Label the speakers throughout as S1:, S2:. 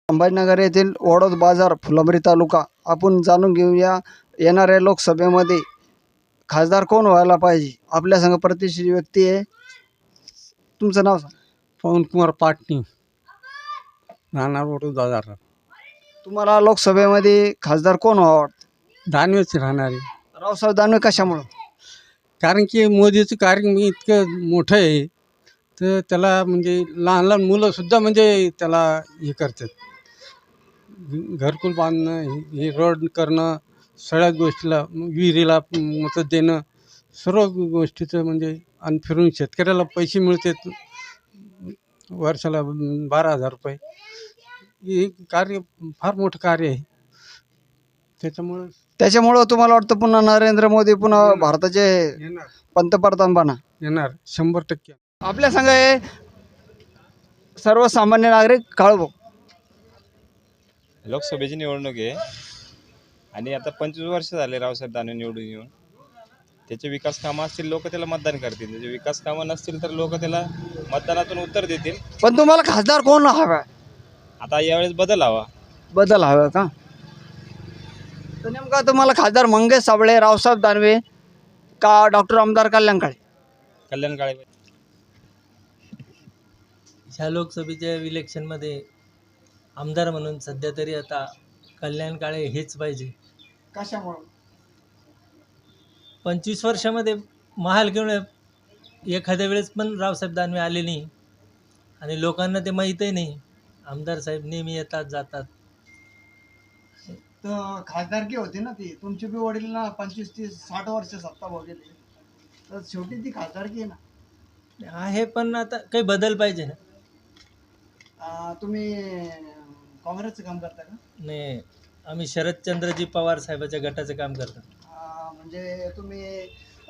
S1: संभाजीनगर येथील वडोद बाजार फुलंब्री तालुका आपण जाणून घेऊया येणाऱ्या लोकसभेमध्ये खासदार कोण व्हायला पाहिजे। आपल्या संग प्रतिष्ठित व्यक्ती आहे, तुमचं नाव सांगा।
S2: पवनकुमार पाटणी, राहणार वडोद बाजार।
S1: तुम्हाला लोकसभेमध्ये खासदार कोण व्हावं वाटतं?
S2: दानवेच राहणारे,
S1: रावसाहेब दानवे। कशामुळं?
S2: कारण की मोदीचं कार्य इतकं मोठं आहे, तर त्याला म्हणजे लहान लहान मुलंसुद्धा म्हणजे त्याला हे करतात, घरकुल बांधणं, हे रोड करणं, सगळ्या गोष्टीला, विहिरीला मतं देणं, सर्व गोष्टीचं म्हणजे। आणि फिरून शेतकऱ्याला पैसे मिळतात वर्षाला 12,000 रुपये। हे कार्य फार मोठं कार्य आहे,
S1: त्याच्यामुळं तुम्हाला वाटतं पुन्हा नरेंद्र मोदी पुन्हा भारताचे
S2: येणार
S1: पंतप्रधान बना?
S2: येणार 100%।
S1: आपल्या संग आहे सर्वसामान्य नागरिक काळभो।
S3: लोकसभेची निवडणूक आहे आणि आता 25 वर्ष झाले रावसाहेब दानवे निवडून येऊन। त्याचे विकास कामं असतील लोक त्याला मतदान करतील, त्याचे विकास कामं नसतील तर लोक त्याला मतदानातून उत्तर देतील।
S1: पण तुम्हाला खासदार कोण हवा?
S3: आता यावेळेस बदल हवा।
S1: बदल हवा का? तर नेमका तुम्हाला खासदार मंगेश साबळे, रावसाहेब दानवे का डॉक्टर आमदार कल्याण काळे?
S3: कल्याण काळे।
S4: ह्या लोकसभेच्या इलेक्शनमध्ये आमदार म्हणून सध्या तरी आता कल्याण काळे हेच पाहिजे।
S1: कशामुळे?
S4: 25 वर्षामध्ये महाल घेऊन एखाद्या वेळेस पण रावसाहेब दानवे आले नाही आणि लोकांना ते माहीतही नाही। आमदार साहेब नेहमी येतात जातात।
S1: तर खासदारकी होती ना ती, तुमची बी वडील ना 25, 30, 60 वर्ष सत्ता भोगली, तर शेवटी ती खासदारकी आहे ना।
S4: आहे, पण आता काही बदल पाहिजे ना।
S1: तुम्ही काँग्रेसचं काम करता का?
S4: नाही, आम्ही शरदचंद्रजी पवार साहेबाच्या गटाचं काम करतो।
S1: म्हणजे तुम्ही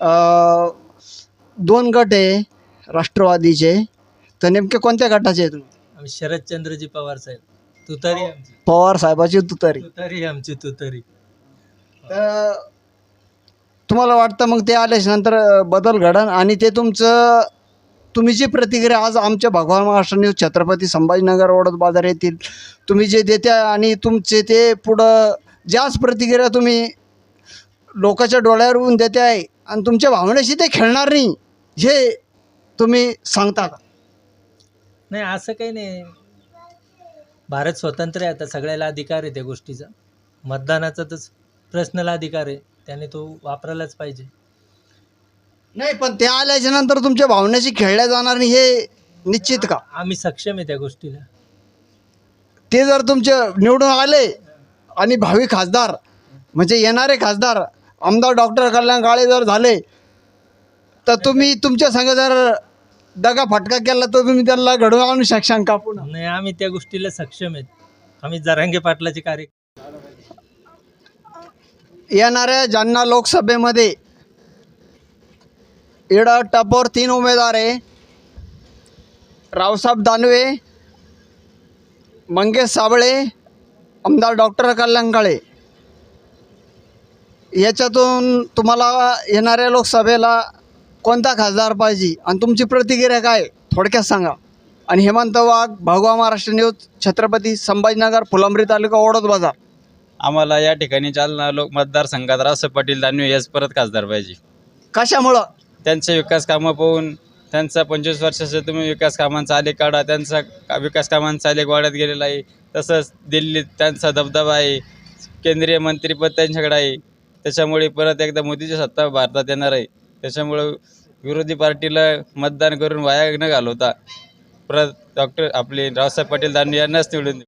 S1: दोन गट आहे राष्ट्रवादीचे, तर नेमके कोणत्या गटाचे आहे तुम्ही?
S4: आम्ही शरदचंद्रजी पवार साहेब, तुतारी आमची,
S1: पवार साहेबाची तुतारी।
S4: तुतारी आमची तुतारी।
S1: तर तुम्हाला वाटतं मग ते आल्याच्या नंतर बदल घडन आणि ते तुम्ही जी प्रतिक्रिया आज आमच्या भगवान महाराष्ट्र न्यूज छत्रपती संभाजीनगर वडोद बाजार येथील तुम्ही जे देत्या आणि तुमचे ते पुढं ज्याच प्रतिक्रिया तुम्ही लोकांच्या डोळ्यावर येऊन देते आहे आणि तुमच्या भावनेशी ते खेळणार नाही, हे तुम्ही सांगता का?
S4: नाही, असं काही नाही। भारत स्वतंत्र आहे, आता सगळ्याला अधिकार आहे त्या गोष्टीचा। मतदानाचा तर पर्सनल अधिकार आहे, त्याने तो वापरायलाच पाहिजे।
S1: नाही, पण ते आल्याच्या नंतर तुमच्या भावनेशी खेळल्या जाणार नाही हे निश्चित का?
S4: आम्ही सक्षम आहे त्या गोष्टीला।
S1: ते जर तुमचे निवडून आले आणि भावी खासदार म्हणजे येणारे खासदार आमदार डॉक्टर कल्याण काळे जर झाले, तर तुम्ही तुमच्या संग जर दगा फटका केला तर तुम्ही त्यांना घडवून आणू शकशाल का पुन्हा?
S4: नाही, आम्ही त्या गोष्टीला सक्षम आहेत। आम्ही जरांगे पाटलाचे कार्य
S1: येणाऱ्या जालना लोकसभेमध्ये इडा टपोर 3 उमेदवार आहे, रावसाहेब दानवे, मंगेश साबळे, आमदार डॉक्टर कल्याण काळे। याच्यातून तुम्हाला येणाऱ्या लोकसभेला कोणता खासदार पाहिजे आणि तुमची प्रतिक्रिया काय थोडक्यात सांगा। आणि हेमंत वाघ, भगवा महाराष्ट्र न्यूज, छत्रपती संभाजीनगर, फुलंब्री तालुका, वडोद बाजार।
S5: आम्हाला या ठिकाणी जालना मतदारसंघात रावसाहेब पाटील दानवे याच परत खासदार पाहिजे।
S1: कशामुळं?
S5: त्यांचे विकास कामं पाहून, त्यांचा 25 वर्षाचा तुम्ही विकास कामांचा आलेख काढा, त्यांचा विकास कामांचा आलेख वाढत गेलेला आहे। तसंच दिल्लीत त्यांचा दबदबा आहे, केंद्रीय मंत्रिपद त्यांच्याकडे आहे, त्याच्यामुळे परत एकदा मोदीची सत्ता भारतात येणार आहे। त्याच्यामुळं विरोधी पार्टीला मतदान करून वाया न घालवता परत रावसाहेब पाटील दानवे यांनाच निवडून